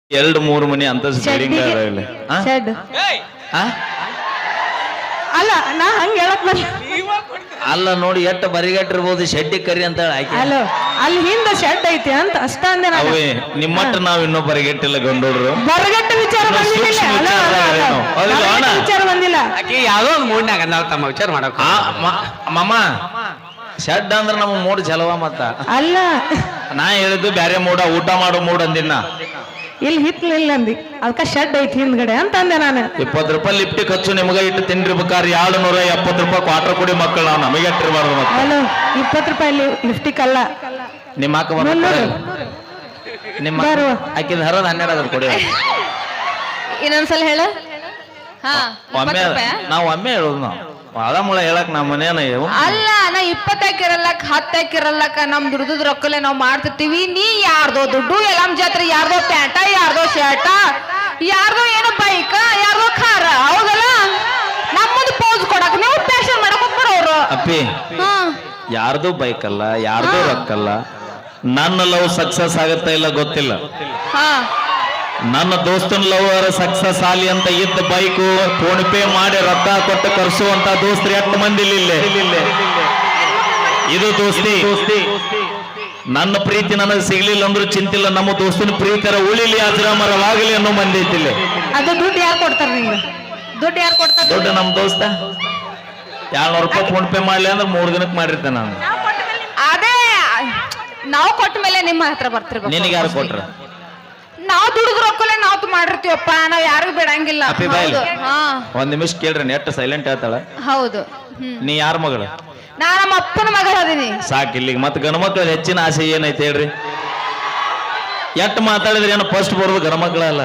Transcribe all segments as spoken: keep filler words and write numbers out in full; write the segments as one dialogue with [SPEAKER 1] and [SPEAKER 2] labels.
[SPEAKER 1] ಎರಡು ಮೂರು ಮನಿ ಅಂತ ಬಿಲ್ಡಿಂಗ್
[SPEAKER 2] ಶೆಡ್ ಅಲ್ಲ ನಾ ಹಂಗ ಹೇಳಕ್ ಬಂದ
[SPEAKER 1] ಅಲ್ಲ ನೋಡಿ ಎಷ್ಟು ಬರಿಗಟ್ಟಿರ್ಬೋದು ಶೆಡ್ಡಿ ಕರಿ ಅಂತ ಹೇಳಿ
[SPEAKER 2] ಅಲ್ಲೋ ಅಲ್ಲಿ ಹಿಂದ ಶೆಡ್ ಐತಿ ಅಂತ ಅಷ್ಟ ಅಂದೆ ನಾನು
[SPEAKER 1] ಅವೇ ನಿಮ್ಮಟ್ಟ ನಾವ್ ಇನ್ನೂ ಬರಿಗಟ್ಟಿಲ್ಲ ಗಂಡೋಡ್ರು
[SPEAKER 2] ಬರಗಟ್ಟ ವಿಚಾರ ಬಂದಿಲ್ಲ ಅಲ್ಲ, ಅಲ್ಲ, ಅಲ್ಲ. ಬರಗಟ್ಟ ವಿಚಾರ ಬಂದಿಲ್ಲ
[SPEAKER 3] ಆಕಿ ಯಾವ್ದೋ ಒಂದು ಮೂಡ್ನಾಗ ಅಂದಾಳ ತಮ್ಮ ವಿಚಾರ ಮಾಡಕ್
[SPEAKER 1] ಮಾಮ ಶೆಡ್ ಅಂದ್ರ ನಮ್ಮ ಮೂಡ್ ಚಲವ ಮತ್ತ
[SPEAKER 2] ಅಲ್ಲ
[SPEAKER 1] ನಾ ಹೇಳಿದ್ದು ಬ್ಯಾರೆ ಮೂಡ ಊಟ ಮಾಡೋ ಮೂಡ್ ಅಂದಿನ
[SPEAKER 2] ಇಲ್ಲಿ ಹಿತ್ಲಿಲ್ಲ ಅಂದಿ ಅದಕ್ಕ ಶೆಡ್ ಐತಿ ಹಿಂದ್ಗಡೆ ಅಂತ ಅಂದೆ ನಾನು
[SPEAKER 1] ಇಪ್ಪತ್ತು ರೂಪಾಯಿ ಲಿಫ್ಟಿ ಖರ್ಚು ನಿಮ್ಗ ಇಟ್ಟು ತಿಂದಿರ್ಬೇಕಾದ್ರೆ ಎರಡು ನೂರ ಎಪ್ಪತ್ತು ರೂಪಾಯಿ ಕ್ವಾರ್ಟರ್ ಕೊಡಿ ಮಕ್ಕಳು ನಾವು ನಮಗೆ ಇಟ್ಟಿರ್ಬಾರ್ದು ಮತ್ತೆ
[SPEAKER 2] ಅಲ್ಲೋ ಇಪ್ಪತ್ತು ರೂಪಾಯಿ ಲಿಫ್ಟಿಕ್ ಅಲ್ಲ
[SPEAKER 1] ನಿಮ್ಮ ಅಕ್ಕ ಬರ್ತಾರೆ ನಿಮ್ಮ ಆಕಿದ ಹರದ ಹನ್ನೆರಡು ಅದ್ರ ಕೊಡಿ
[SPEAKER 4] ಇನ್ನೊಂದ್ಸಲ ಹೇಳ
[SPEAKER 1] ಒಮ್ಮೆ ನಾವು ಒಮ್ಮೆ ಹೇಳೋದು ನಾವು ಭಾಳ ಮುಳ ಹೇಳಕ್ ನಮ್ಮ ಮನೇನ
[SPEAKER 4] ಅಲ್ಲ ನಾ ಇಪ್ಪತ್ತಾಕಿರಲ್ಲಕ್ ಹತ್ತಾಕಿರಲ್ಲಕ ನಮ್ ದುಡ್ದು ರೊಕ್ಕಲೆ ನಾವ್ ಮಾಡ್ತಿರ್ತೀವಿ ನೀ ಯಾರ್ದೋ ದುಡ್ಡು ಎಲ್ಲಮ್ ಜಾತ್ರೆ ಯಾರ್ದೋ ಪ್ಯಾಂಟ ಯಾರ್ದೋ ಶರ್ಟ ಯಾರ್ದೋ ಏನೋ ಬೈಕ ಯಾರ್ದೋ ಖಾರ ಹೌದಲ್ಲ ನಮ್ಮದು ಪೋಸ್ ಕೊಡಕ್ ನೀವು ಫ್ಯಾಷನ್ ಮಾಡಕ್ ಹೋಗ್ಬರೋರು
[SPEAKER 1] ಅಪ್ಪಿ ಯಾರ್ದು ಬೈಕ್ ಅಲ್ಲ ಯಾರ್ದು ರೊಕ್ಕಲ್ಲ ನನ್ನ ಲವ್ ಸಕ್ಸಸ್ ಆಗತ್ತ ಇಲ್ಲ ಗೊತ್ತಿಲ್ಲ
[SPEAKER 4] ಹಾ
[SPEAKER 1] ನನ್ನ ದೋಸ್ತನ ಲವ್ ಸಕ್ಸಸ್ ಆಲಿ ಅಂತ ಇದ್ದ ಬೈಕು ಫೋನ್ ಪೇ ಮಾಡಿ ರೊಕ್ಕ ಕೊಟ್ಟು ಕರ್ಸುವಂತ ದೋಸ್ತರು ಎಷ್ಟು ಮಂದಿ ಇಲ್ಲೇ ಇದು ದೋಸ್ತಿ ದೋಸ್ತಿ ನನ್ನ ಪ್ರೀತಿ ನನಗೆ ಸಿಗ್ಲಿಲ್ಲ ಅಂದ್ರೂ ಚಿಂತಿಲ್ಲ ನಮ್ಮ ದೋಸ್ತನ ಪ್ರೀತಿಯರ ಉಳಿಲಿ ಅಜರಾಮರವಾಗಲಿ ಅನ್ನೋ ಮಂದಿ ಐತಿಲ್ಲ
[SPEAKER 2] ಅದು ದುಡ್ಡು ಯಾರು ಕೊಡ್ತಾರ ನಿಂಗೆ ದುಡ್ಡು ಯಾರು ಕೊಡ್ತಾರ
[SPEAKER 1] ದುಡ್ಡು ನಮ್ ದೋಸ್ತ ಎರಡ್ನೂರು ರೂಪಾಯಿ ಫೋನ್ ಪೇ ಮಾಡ್ಲಿ ಅಂದ್ರೆ ಮೂರ್ ದಿನಕ್ಕೆ ಮಾಡಿರ್ತೇನೆ ನಾನು
[SPEAKER 4] ಅದೇ ನಾವು ಕೊಟ್ಟ ಮೇಲೆ ನಿಮ್ಮ ಹತ್ರ ಬರ್ತಿರ್ಬೇಕು
[SPEAKER 1] ನಿನಗೆ ಯಾರು ಕೊಟ್ರ
[SPEAKER 4] ನಾವ್ ದುಡ್ದು ರೊಕ್ಕಲೆ ನಾವ್ ಮಾಡಿರ್ತೀವಪ್ಪ ನಾವ್ ಯಾರಿಗೂ ಬಿಡಂಗಿಲ್ಲ
[SPEAKER 1] ಅಪ್ಪಿ ಬಾಯ್ಲಿ.
[SPEAKER 4] ಹೌದು. ಹಾ
[SPEAKER 1] ಒಂದ್ ನಿಮಿಷ ಕೇಳ್ರಿ ನೆಟ್ ಸೈಲೆಂಟ್ ಹೇಳ್ತಾಳ
[SPEAKER 4] ಹೌದು ಹ್ಮ್
[SPEAKER 1] ನೀ ಯಾರ ಮಗಳು
[SPEAKER 4] ನಾ ನಮ್ಮ ಅಪ್ಪನ ಮಗಳ ಅದೀನಿ
[SPEAKER 1] ಸಾಕ್ ಇಲ್ಲಿಗೆ ಮತ್ತೆ ಗಣಮಕ್ಳ ಹೆಚ್ಚಿನ ಆಸೆ ಏನೈತೆ ಹೇಳ್ರಿ ಎಟ್ ಮಾತಾಡಿದ್ರೆ ಏನು ಫಸ್ಟ್ ಬರೋದು ಗಣಮಕ್ಳಲ್ಲ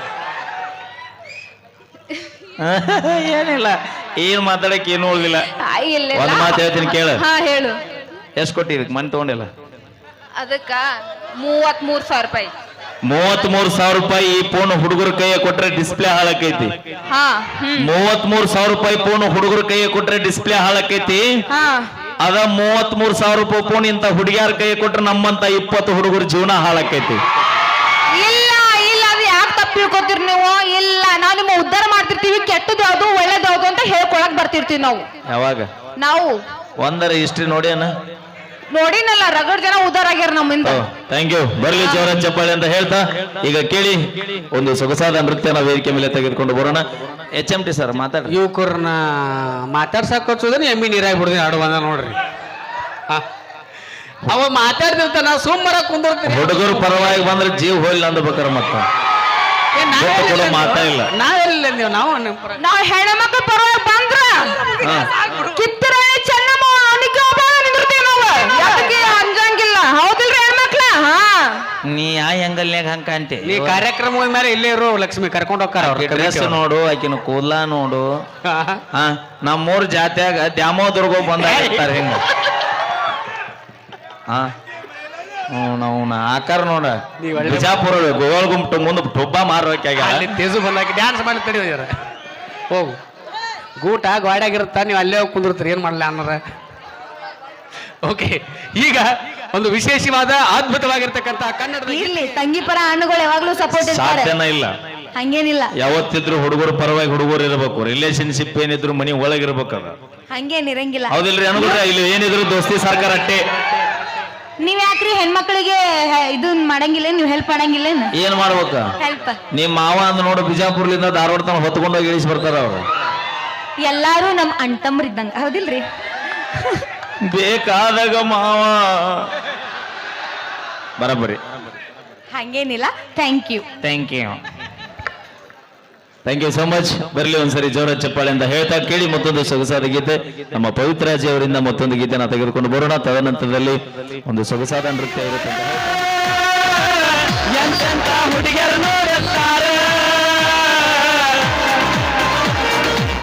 [SPEAKER 1] ಏನಿಲ್ಲ ಏನ್ ಮಾತಾಡಕ್ ಏನು ಉಳಿದಿಲ್ಲ
[SPEAKER 4] ಆ, ಇಲ್ಲ ಇಲ್ಲ.
[SPEAKER 1] ಒಂದ್ ಮಾತು ಹೇಳ್ತೀನಿ ಕೇಳು
[SPEAKER 4] ಹಾ ಹೇಳು
[SPEAKER 1] ಎಷ್ಟ್ ಕೊಟ್ಟಿರಿ ಮನೆ ತಗೊಂಡಿಲ್ಲ
[SPEAKER 4] ಅದಕ್ಕ ಮೂವತ್ ಮೂರ್ ಸಾವಿರ ರೂಪಾಯಿ
[SPEAKER 1] ಮೂವತ್ ಮೂರ್ ಸಾವಿರ ರೂಪಾಯಿ ಈ ಫೋನ್ ಹುಡುಗರ ಕೈಯ ಕೊಟ್ರೆ ಡಿಸ್ಪ್ಲೇ ಹಾಳಾಕೈತಿ
[SPEAKER 4] ಹಾ ಹ್ಮ್
[SPEAKER 1] ಮೂವತ್ ಮೂರ್ ಸಾವಿರ ರೂಪಾಯಿ ಫೋನ್ ಹುಡುಗರ ಕೈಯ ಕೊಟ್ರೆ ಡಿಸ್ಪ್ಲೇ ಹಾಳಾಕೈತಿ
[SPEAKER 4] ಹಾ
[SPEAKER 1] ಅದ ಮೂವತ್ ಮೂರ್ ಸಾವಿರ ರೂಪಾಯಿ ಫೋನ್ ಇಂತ ಹುಡುಗಿಯಾರ ಕೈ ಕೊಟ್ರೆ ನಮ್ಮಂತ ಇಪ್ಪತ್ತು ಹುಡುಗರ ಜೀವನ ಹಾಳಾಕೈತಿ
[SPEAKER 4] ಇಲ್ಲ ಇಲ್ಲ ಅದು ಯಾಕೆ ತಪ್ಪು ತಿಳ್ಕೊತೀರಿ ನೀವು ಇಲ್ಲ ನಾವು ನಿಮ್ಮ ಉದ್ಧಾರ ಮಾಡ್ತಿರ್ತೀವಿ ಕೆಟ್ಟದ್ದು ಯಾವ್ದು ಒಳ್ಳೇದು ಯಾವ್ದು ಅಂತ ಹೇಳ್ಕೊಳಕ್ ಬರ್ತಿರ್ತೀವಿ ನಾವು
[SPEAKER 1] ಯಾವಾಗ
[SPEAKER 4] ನಾವು
[SPEAKER 1] ಒಂದರ ಹಿಸ್ಟ್ರಿ ನೋಡ್ಯಾನ
[SPEAKER 4] ನೋಡಿನಲ್ಲ ರಗಡ್ ಜನ ಉದ್ಧಾರ ಆಗ್ಯಾರ ನಮ್ಮಿಂದ
[SPEAKER 1] ಥ್ಯಾಂಕ್ ಯು ಬರ್ಲಿ ಜೋರ ಚಪ್ಪಾಳೆ ಅಂತ ಹೇಳ್ತಾ ಈಗ ಕೇಳಿ ಒಂದು ಸೊಗಸಾದ ನೃತ್ಯನ ವೇದಿಕೆ ಮೇಲೆ ತೆಗೆದುಕೊಂಡು ಬರೋಣ ಎಚ್ ಎಂ ಟಿ ಸರ್ ಮಾತಾಡ್ರಿ
[SPEAKER 3] ಯುವಕರನ್ನ ಮಾತಾಡ್ಸಕ್ ಹಚ್ಚೋದನ್ನ ಎಮ್ಮಿ ನೀರಾಗಿ ಬಿಡ್ತೀನಿ ಆಡು ಬಂದ ನೋಡ್ರಿ ಹಾ. ಅವ ಮಾತಾಡ್ತಿರ್ತಾನ ನಾ ಸುಮ್ಮರ ಕುಂದಿರ್ತೀನಿ
[SPEAKER 1] ಹುಡುಗರು ಪರವಾಗಿ ಬಂದ್ರೆ ಜೀವ ಹೋಗ್ಲಿ ಅಂದ್ಬೇಕಾರ ಮತ್ತ ಕೊಡೋ ಮಾತಾ ಇಲ್ಲ
[SPEAKER 3] ನಾವೆಲ್ಲ ನೀವು ನಾವು ನಿಮ್ಮ ಪರ-
[SPEAKER 4] ನಾವ್ ಹೆಣ್ಮಕ್ಳು ಪರವಾಗಿ ಬಂದ್ರ ಕಿತ್ತರಾಣಿ ಚೆನ್ನಮ್ಮ ಅವನಿಗೆ ಒಬ್ಬ ನಿಂದಿರ್ತೀವಿ ನಾವು ಯಾಕೆ ಅಂಜಂಗಿಲ್ಲ ಹೌದಿಲ್ರಿ ಹೆಣ್ಮಕ್ಳ ಹಾ
[SPEAKER 1] ನೀ ಆ ಹೆಂಗಲ್ನ್ಯಾಗ ಹಂಗ ಕಾಣ್ತಿ
[SPEAKER 3] ನೀ ಕಾರ್ಯಕ್ರಮ ಹೋದ ಮೇಲೆ ಇಲ್ಲೇ ಇರೋ ಲಕ್ಷ್ಮಿ ಕರ್ಕೊಂಡು ಹೋಗ್ತಾರ ಅವ್ರ
[SPEAKER 1] ಡ್ರೆಸ್ ನೋಡು ಆಕಿನ ಕೂದ್ಲ ನೋಡು ಹಾ ನಮ್ಮೂರ್ ಜಾತ್ಯಾಗ ದ್ಯಾಮೋದುರ್ಗ ಬಂದಾಗಿರ್ತಾರೆ ಹಿಂಗ ಹಾ ಹ್ಮ್ ನಾವು ಆಕಾರ ನೋಡ ಬಿಜಾಪುರ ಗೋವಾಳ ಗುಂಪು ಮುಂದೆ ಟೊಬ್ಬ ಮಾರೋಕ್ಕಾಗ
[SPEAKER 3] ಅಲ್ಲಿ ತೇಜು ಬಂದಾಕಿ ಡ್ಯಾನ್ಸ್ ಮಾಡಿ ತಡಿ ಹೋಗು ಗೂಟ ಗಾಡ್ಯಾಗಿರುತ್ತ ನೀವು ಅಲ್ಲೇ ಹೋಗಿ ಕುಂದಿರ್ತೀರಿ ಏನ್ ಮಾಡಲ್ಲ ಅನ್ನೋರ ಓಕೆ ಈಗ ಒಂದು ವಿಶೇಷವಾದ ಅದ್ಭುತವಾಗಿರ್ತಕ್ಕಂಥ ಕನ್ನಡದ
[SPEAKER 4] ಇರ್ಲಿ ತಂಗಿ ಪರ ಹಣ್ಣುಗಳು ಯಾವಾಗ್ಲೂ ಸಪೋರ್ಟ್ ಇರ್ತಾರೆ
[SPEAKER 1] ಸಾಧ್ಯನ ಇಲ್ಲ
[SPEAKER 4] ಹಂಗೇನಿಲ್ಲ
[SPEAKER 1] ಯಾವತ್ತಿದ್ರು ಹುಡುಗರು ಪರವಾಗಿ ಹುಡುಗರು ಇರಬೇಕು ರಿಲೇಶನ್ಶಿಪ್ ಏನಿದ್ರು ಮನಿ ಒಳಗಿರ್ಬೇಕದ
[SPEAKER 4] ಹಂಗೇನ್ ಇರಂಗಿಲ್ಲ
[SPEAKER 1] ಹೌದಿಲ್ರಿ ಅನ್ಬಿಟ್ರೆ ಇಲ್ಲಿ ಏನಿದ್ರು ದೋಸ್ತಿ ಸರ್ಕಾರ ಅಟ್ಟೆ
[SPEAKER 4] ನೀವ್ ಯಾಕ್ರಿ ಹೆಣ್ಮಕ್ಳಿಗೆ ಇದನ್ ಮಾಡಂಗಿಲ್ಲ ನೀವ್ ಹೆಲ್ಪ್ ಮಾಡಂಗಿಲ್ಲ
[SPEAKER 1] ಏನ್ ಮಾಡ್ಬೇಕ
[SPEAKER 4] ಹೆಲ್ಪ್
[SPEAKER 1] ನಿಮ್ ಮಾವ ಅಂದ್ ನೋಡು ಬಿಜಾಪುರ್ಲಿಂದ ಧಾರವಾಡ ತನ ಹೊತ್ಕೊಂಡೋಗಿ ಇಳಿಸಿ ಬರ್ತಾರ ಅವ್ರು
[SPEAKER 4] ಎಲ್ಲಾರು ನಮ್ ಅಣ್ತಮ್ರ ಇದ್ದಂಗ ಹೌದಿಲ್ರಿ
[SPEAKER 1] ಬೇಕಾದಾಗ ಮಾವ ಬರಬರಿ
[SPEAKER 4] ಹಂಗೇನಿಲ್ಲ thank you
[SPEAKER 1] thank you thank you so much ಬರಲಿ ಒಂದ್ಸರಿ ಜೋರ ಚಪ್ಪಾಳೆ ಅಂತ ಹೇಳ್ತಾ ಕೇಳಿ ಮತ್ತೊಂದು ಸೊಗಸಾದ ಗೀತೆ ನಮ್ಮ ಪವಿತ್ರಾಜಿ ಅವರಿಂದ ಮತ್ತೊಂದು ಗೀತೆನ ತೆಗೆದುಕೊಂಡು ಬರೋಣ ತದನಂತರದಲ್ಲಿ ಒಂದು ಸೊಗಸಾದ ನೃತ್ಯ ಇರುತ್ತೆ ಅಂತ ಹೇಳ್ತಾ.